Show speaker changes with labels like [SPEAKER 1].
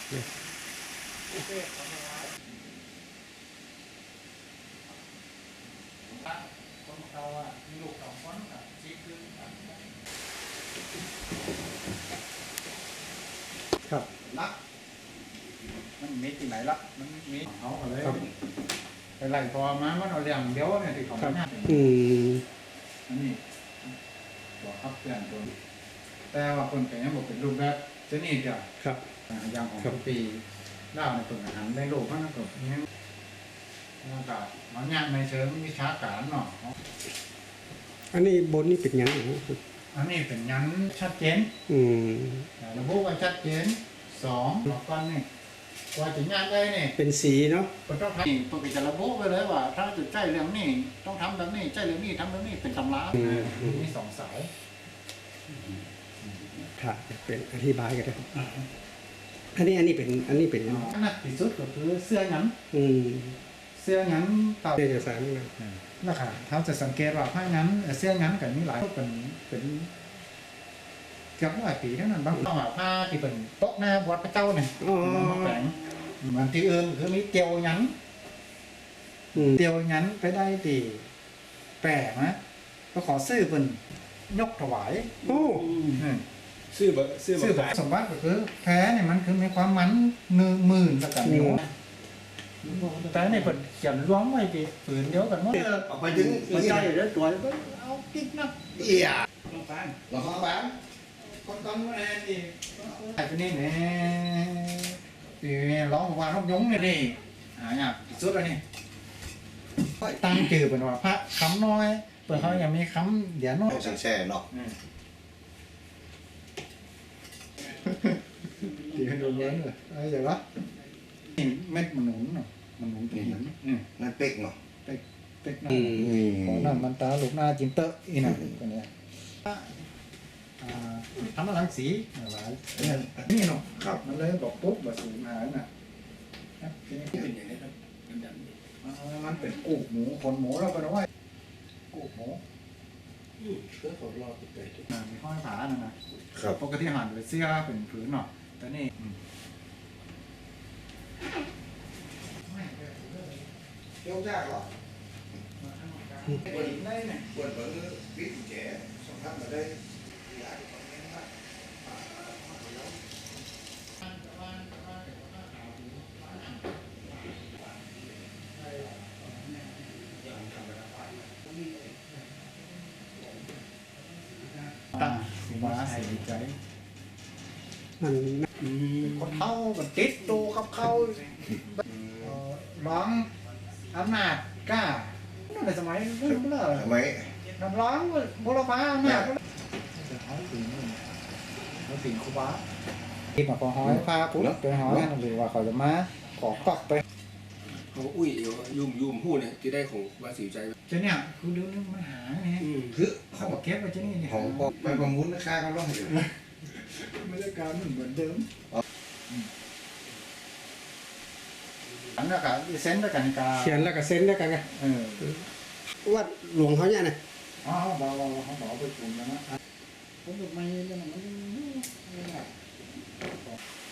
[SPEAKER 1] คนเราอ่ะมีลูก2 คนกับชีคือ
[SPEAKER 2] ครับ
[SPEAKER 1] รักมันมีที่ไหนละมันมีเขาอะไรไปไล่พอมามันเอาเรื่องเดียวเนี่ยที่ของมันอันนี้บอกครับเพื่อนตัวแต่ว่าคนแต่ยังบอกเป็นรูปแบบเจ้านี่จ้ะ
[SPEAKER 2] ครับ
[SPEAKER 1] อย่างของปีเล่าในตัวอาหารในโลกมันก็เนี่ยอากาศมันยากในเชิงวิชาการเนาะ
[SPEAKER 2] อันนี้บนนี่เป็นยังไง
[SPEAKER 1] อันนี้เป็นยันชัดเจนระบุว่าชัดเจน2บอกกันนี่ว่าจะงานได้เนี่ย
[SPEAKER 2] เป็นสีเนาะ
[SPEAKER 1] ต้องทำตัวจะระบุไปเลยว่าถ้าจะใจเรื่องนี้ต้องทำแบบนี้ใจเรื่องนี้ทำแบบนี้เป็นตำรามี2 สาย
[SPEAKER 2] ค่ะเป็นอธิบายกันได้อันนี้เป็น
[SPEAKER 1] นักที่สุดก็คือเสื้อหยันเสื้อหยันต่อ
[SPEAKER 2] เอกสาร
[SPEAKER 1] นะครับเขาจะสังเกตว่าผ้าหยันเสื้อหยันกับนี้หลายเป็นเกือบ100 ปีเท่านั้นบางต้องผ้าที่เป็นโต๊ะหน้าวัดพระเจ้าเนี่ยมาแฝงมันที่อื่นคือมีเตียวหยันเตียวหยันไปได้ตีแปลกนะก็ขอซื้อเป็นยกถวาย
[SPEAKER 3] ซื้อ
[SPEAKER 1] สมบัติก็คือแพ้เนี่ยมันคือมีความมัน10,000แล้วกันนิ้วแต่ในเปิดเขียนล้วงไว้ปีฝืนเดียวกันหมด
[SPEAKER 3] ออกไปถึง
[SPEAKER 1] หัวใจแล้วตัวก็เอากิ๊กนะ
[SPEAKER 3] เอี่ย
[SPEAKER 1] ลองฟัง
[SPEAKER 3] ลองฟัง
[SPEAKER 1] คนตอนนู้นเองดิไอ้คนนี้เนี่ยปีร้องว่าร้องยงเนี่ยดิเนี่ยสุดเลยนี่ตั้งจื่อเป็นว่าพระคำน้อยเปิดเขายังมีคำเดี๋ยวน้อย
[SPEAKER 3] แช่เนาะ
[SPEAKER 1] ตีให้ดูเงินเลยอะไรอย่างวะเม็ดมันหนุนเนาะมันหนุนตี
[SPEAKER 3] นั่นเป๊กเนาะ
[SPEAKER 1] เป๊กของนั่นมันตาลูกหน้าจินเตอร์อีน่ะตัวเนี้ยทำอะไรสีอะไรนี่เนาะครับมันเลยบอกปุ๊บแบบสูงหายน่ะทีนี้เป็นอย่างนี้ครับมันเป็นกูหมูขนหมูเราเป็นว่ากูหมู
[SPEAKER 3] เพื่อเขารอติดไป
[SPEAKER 1] มีห้อยผาน่ะนะปกติหันไปเสื้อเป็นผืนเนาะแต่นี่
[SPEAKER 3] เที่ยวยากหรอ
[SPEAKER 1] ปวดได้เนี่ย
[SPEAKER 3] ปวดเหมือนวิถีแก่สองท่านมาได้
[SPEAKER 1] ตั้งสิมาใส่ใจ
[SPEAKER 2] มัน
[SPEAKER 1] คนเท่ามันติดตัวกับเขาร้องอำนาจกล้าในสมัยนั้นเมื่อ
[SPEAKER 3] ทำไม
[SPEAKER 1] น้ำร้องบุรพาอำนาจเขาสิงคุบะที่มาพอหอยพาปุ๊บไปหอยนั่นหรือว่าเขาจะมาขอกอกไป
[SPEAKER 3] เขาอุ้ยยุ่มหู้เนี่ยที่ได้ของวาสีใจ
[SPEAKER 1] เจ้าเนี่ยคือเรื่องนี้มันหาไง
[SPEAKER 3] คือ
[SPEAKER 1] เขาบอกเก็บไว้เจ้านี่
[SPEAKER 3] ของไปประมูลราคาเขาล่องอยู่
[SPEAKER 1] ไม่ได้การเหมือนเดิมอันนั้นก็เซ็นแล้วกัน
[SPEAKER 2] เขียนแล้วก็เซ็นแล้วกันไงว่าหลวงเขาเนี่ยนะ
[SPEAKER 1] อ๋อเขาบอกไปปรุงแล้วนะผมบอกไม่แล้วมันไม่ได้